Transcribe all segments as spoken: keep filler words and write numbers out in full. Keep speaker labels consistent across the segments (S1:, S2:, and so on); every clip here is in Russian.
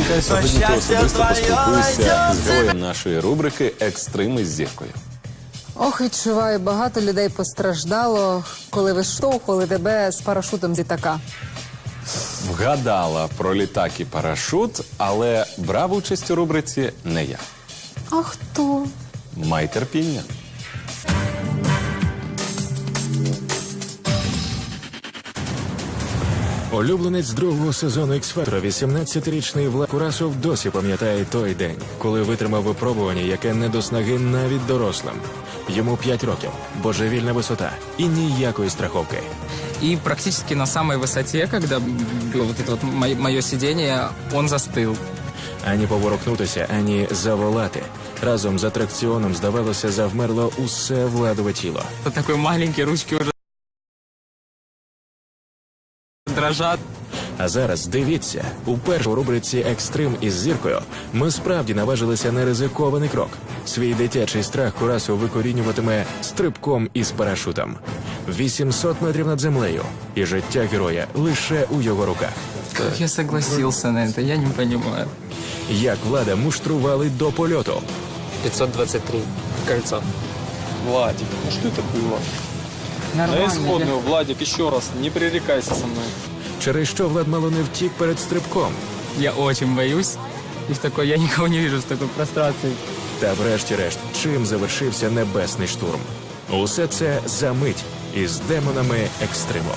S1: Дмитренка. Сьогодні ти особисто поспілкуєшся з героєм нашої рубрики «Екстрим із зіркою».
S2: Ох, відчуваю, багато людей постраждало, коли виштовхували тебе з парашутом з літака.
S1: Вгадала про літак і парашут, але брав участь у рубриці не я.
S2: А хто?
S1: Май терпіння.
S3: Улюбленець другого сезону «Ікс-Фактора» вісімнадцятирічний Влад Курасов досі пам'ятає той день, коли витримав випробування, яке не до снаги навіть дорослим. Йому п'ять років, божевільна висота і ніякої страховки.
S4: И практически на самой высоте, когда было вот это вот мое сидение, он застыл.
S3: Ані поворухнутися, ані заволати. Разом з атракціоном, здавалося, завмерло усе Владове тіло.
S4: Вот такой маленький, ручки уже дрожат.
S3: А зараз дивіться, уперше у рубриці «Екстрим із зіркою» ми справді наважилися на ризикований крок. Свій дитячий страх Курасов викорінюватиме стрибком із парашутом. вісімсот метрів над землею. І життя героя лише у його руках.
S4: Как я согласился на это, я не понимаю.
S3: Як Влада муштрували до польоту.
S4: пятьсот двадцать три. Кольцо.
S5: Владик, ну что это было?
S4: Нормально.
S5: На исходную, Владик, еще раз, не пререкайся со мной.
S3: Через що Влад мало не втік перед стрибком.
S4: Я очень боюсь. И в такой, я никого не вижу в такой прострации.
S3: Та врешті-решт, чим завершився небесний штурм. Усе це за мить із демонами екстриму.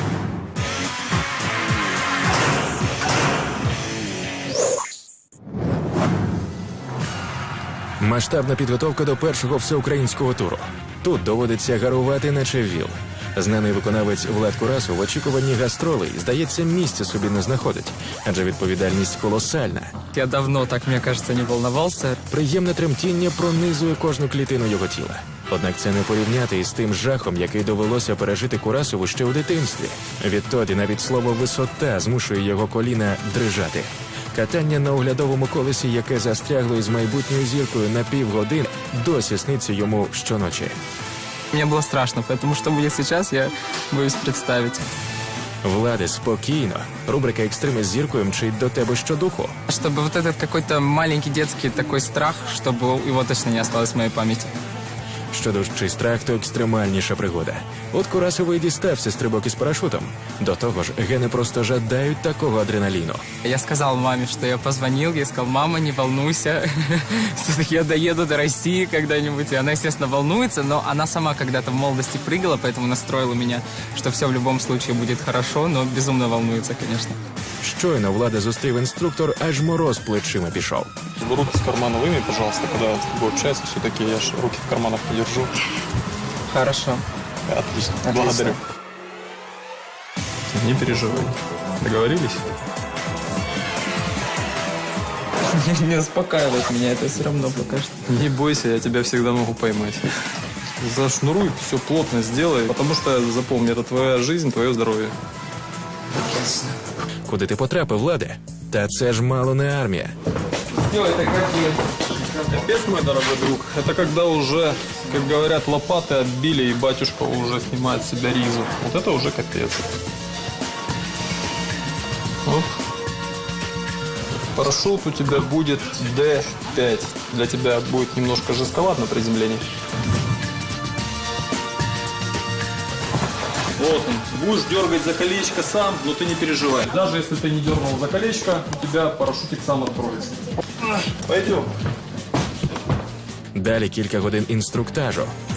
S3: Масштабна підготовка до першого всеукраїнського туру. Тут доводиться гарувати наче віл. Знаний виконавець Влад Курасов в очікуванні гастролей, здається, місця собі не знаходить, адже відповідальність колосальна.
S4: Я давно так, мне кажется, не волновался.
S3: Приємне тремтіння пронизує кожну клітину його тіла. Однак це не порівняти із тим жахом, який довелося пережити Курасову ще у дитинстві. Відтоді навіть слово «висота» змушує його коліна дрижати. Катання на оглядовому колесі, яке застрягло із майбутньою зіркою на півгодин, досі сниться йому щоночі.
S4: Мне было страшно, поэтому что будет сейчас, я боюсь представить.
S3: Влади, спокійно. Рубрика «Екстрим із зіркою» мчить до тебе щодуху.
S4: Чтобы вот этот какой-то маленький детский такой страх, чтобы его точно не осталось в моей памяти.
S3: Що дужчий страх, то екстремальніша пригода. От Курасову і дістався стрибок із парашутом. До того ж, гени просто жадають такого адреналіну.
S4: Я сказал маме, что я позвонил, я сказал: мама, не волнуйся, все-таки я доеду до России когда-нибудь. И она, естественно, волнуется, но она сама когда-то в молодости прыгала, поэтому настроила меня, что все в любом случае будет хорошо, но безумно волнуется, конечно.
S3: Щойно Влада зустрів інструктор, аж мороз плечима пішов.
S5: Руки с кармана выйми, пожалуйста, когда я с тобой общаюсь, все-таки я ж руки в карманах подержу.
S4: Хорошо.
S5: Отлично,
S4: Отлично.
S5: благодарю. Не переживай. Договорились?
S4: Не успокаивает меня это все равно пока что.
S5: Не бойся, я тебя всегда могу поймать. Зашнуруй, все плотно сделай, потому что, запомни, это твоя жизнь, твое здоровье.
S3: Куди ти потрапив, Владе? Та це ж мало не армія.
S4: Все, это как
S5: Капец, мой дорогой друг, это когда уже, как говорят, лопаты отбили, и батюшка уже снимает с себя ризу. Вот это уже капец. Оп. Парашют у тебя будет дэ пять. Для тебя будет немножко жестковат на приземлении. Вот он. Будешь дергать за колечко сам, но ты не переживай. Даже если ты не дернул за колечко, у тебя парашютик сам откроется. Пойдем.
S3: Далі кілька годин інструктажу.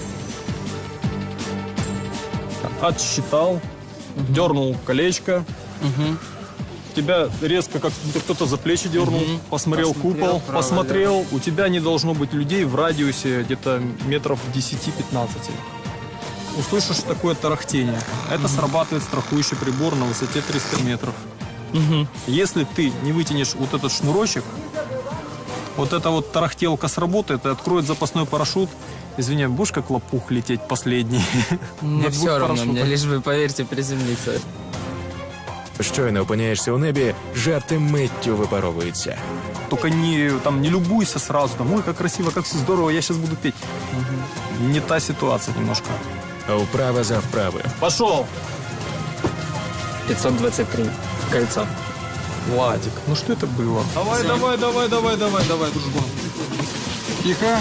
S5: Отсчитал, угу. Дернул колечко. Угу. Тебя резко, как будто кто-то за плечи дернул, угу. Посмотрел, посмотрел купол, право, посмотрел. Да. У тебя не должно быть людей в радиусе где-то метров десять-пятнадцать. Услышишь такое тарахтение. Это срабатывает страхующий прибор на высоте триста метров. Угу. Если ты не вытянешь вот этот шнурочек, вот эта вот тарахтелка сработает и откроет запасной парашют. Извини, будешь как лопух лететь последний?
S4: Мне все равно, мне лишь бы, поверьте, приземлиться.
S3: Щойно опиняєшся у небі, жарти миттю випаровуються.
S5: Только не, там, не любуйся сразу, там, ой, как красиво, как все здорово, я сейчас буду петь. Угу. Не та ситуация немножко.
S3: Вправа за вправою.
S5: Пошел!
S4: пятьсот двадцать три. Кольцо.
S5: Владик, ну что это было? Давай, давай, давай, давай, давай, давай, дружбан. Тихо.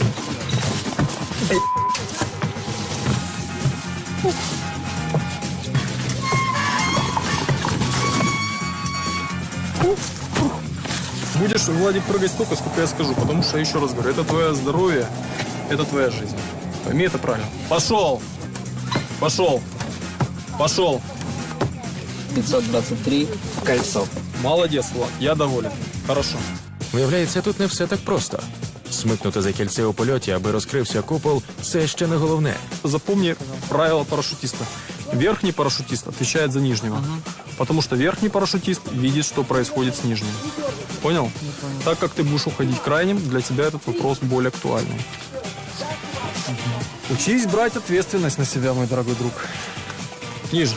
S5: Будешь, Владик, прыгать столько, сколько я скажу, потому что, еще раз говорю, это твое здоровье, это твоя жизнь. Пойми это правильно. Пошел! Пошел! Пошел!
S4: пятьсот двадцать три, кольцо.
S5: Молодец, Влад, я доволен. Хорошо.
S3: Виявляється, тут не все так просто. Смикнути за кільце у польоті, аби розкрився купол – це ще не головне.
S5: Запомни правило парашютиста. Верхний парашютист отвечает за нижнего. Угу. Потому что верхний парашютист видит, что происходит с нижним. Понял? Так как ты будешь уходить крайним, для тебя этот вопрос более актуальный. Угу. Учись брать ответственность на себя, мой дорогой друг. Ниже.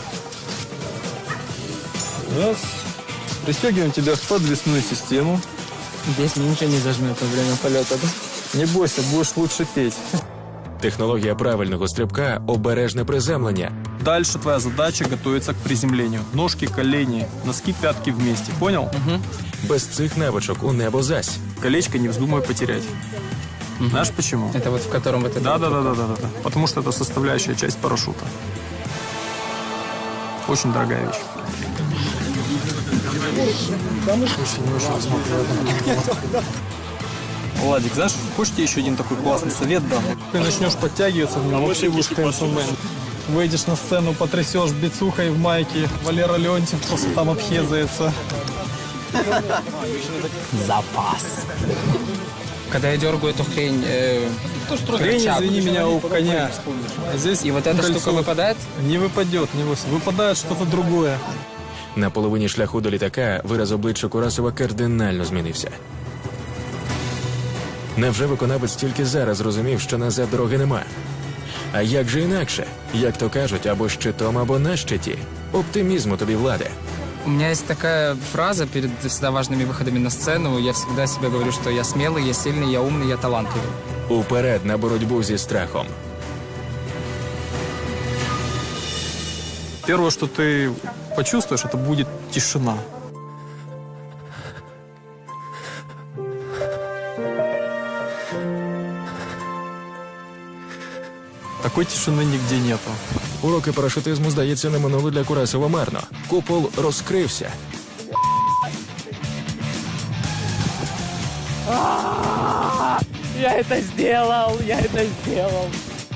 S5: Раз. Пристегиваем тебя в подвесную систему.
S4: Здесь ничего не зажмет во время полета, да?
S5: Не бойся, будешь лучше петь.
S3: Технологія правильного стрибка – обережне приземлення.
S5: Дальше твоя задача готовиться к приземлению. Ножки, колени, носки, пятки вместе. Понял?
S4: Угу.
S3: Без цих навичок у небо зась.
S5: Колечко не вздумай потерять. Угу. Знаешь почему?
S4: Это вот в котором вот это...
S5: Да, да, да, да, да, да. Потому что это составляющая часть парашюта. Очень дорогая вещь. Владик, знаешь, хочешь тебе еще один такой классный совет дам? Ты начнешь подтягиваться в нем, вообще будешь хэнсомен. Выйдешь на сцену, потрясешь бицухой в майке, Валера Леонтьев просто там обхезается.
S4: Запас. Когда я дергаю эту хрень... Э,
S5: хрень,
S4: рычаг,
S5: извини меня, у коня. А здесь
S4: и вот эта
S5: кольцо.
S4: Штука выпадает?
S5: Не выпадет, не выпадет. Выпадает что-то другое.
S3: На половині шляху до літака вираз обличчя Курасова кардинально змінився. Невже виконавець тільки зараз зрозумів, що назад дороги нема? А як же інакше? Як то кажуть, або щитом, або на щиті. Оптимізму тобі, Владе.
S4: У меня есть такая фраза перед всегда важными выходами на сцену. Я всегда себе говорю, что я смелый, я сильный, я умный, я талантливый.
S3: Уперед на боротьбу зі страхом.
S5: Первое, что ты почувствуешь, это будет тишина. Такой тишины нигде нету.
S3: Уроки парашутизму, здається, не минули для Курасова марно. Купол розкрився.
S4: Я это сделал, я это сделал.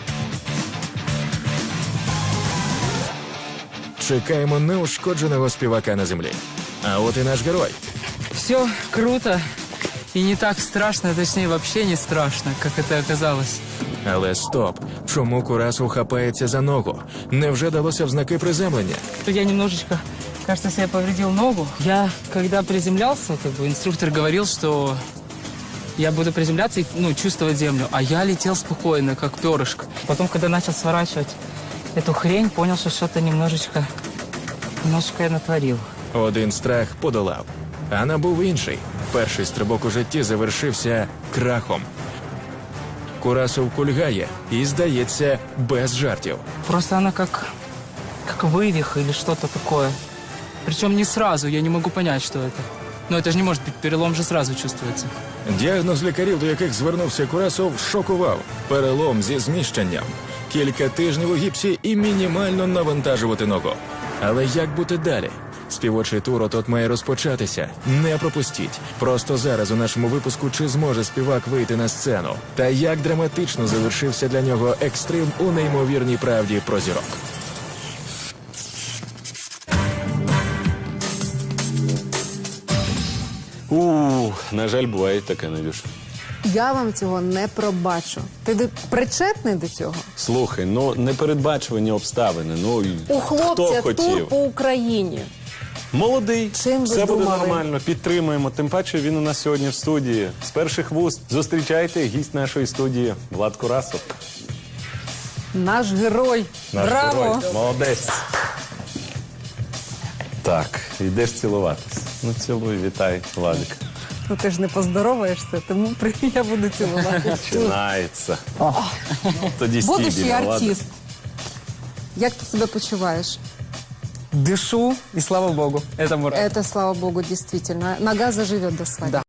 S3: Чекаємо неушкодженого співака на землі. А от і наш герой.
S4: Все круто и не так страшно, точнее вообще не страшно, как это оказалось.
S3: Але стоп. Чому Курасов хапається за ногу? Невже далося в знаки приземлення?
S4: Я немножечко, кажется, себе повредил ногу. Я, когда приземлялся, как бы инструктор говорил, что я буду приземляться и ну, чувствовать землю. А я летел спокойно, как перышко. Потом, когда начал сворачивать эту хрень, понял, что что-то немножечко, немножечко я натворил.
S3: Один страх подолав, а набув інший. Перший стрибок у житті завершився крахом. Курасов кульгає і, здається, без жартів.
S4: Просто она как, как вывих или что-то такое. Причем не сразу, я не могу понять, что это. Но это же не может быть, перелом же сразу чувствуется.
S3: Діагноз лікарів, до яких звернувся Курасов, шокував. Перелом зі зміщенням. Кілька тижнів у гіпсі і мінімально навантажувати ногу. Але як бути далі? Співочий тур от-от має розпочатися. Не пропустіть. Просто зараз у нашому випуску чи зможе співак вийти на сцену. Та як драматично завершився для нього екстрим у неймовірній правді про зірок.
S1: У, на жаль, буває таке, Надюш.
S2: Я вам цього не пробачу. Ти до- причетний до цього?
S1: Слухай, ну непередбачувані обставини. Ну і
S2: У хлопця
S1: хто
S2: тур
S1: хотів?
S2: по Україні.
S1: Молодий,
S2: Чим ви
S1: все буде
S2: думали?
S1: нормально, підтримуємо. Тим паче він у нас сьогодні в студії. З перших вуст зустрічайте гість нашої студії Влад Курасов.
S2: Наш герой.
S1: Наш
S2: Браво!
S1: герой. Молодець. Так, йдеш цілуватись. Ну цілуй, вітай, Владик.
S2: Ну ти ж не поздороваєшся, тому при- я буду цілувати.
S1: Починається. Тоді
S2: Будущий
S1: стій біля Влада.
S2: артист. Як ти себе почуваєш?
S4: дышу, и слава богу, этому рад.
S2: Это, слава богу, действительно. Нога заживет до свадьбы.
S4: Да.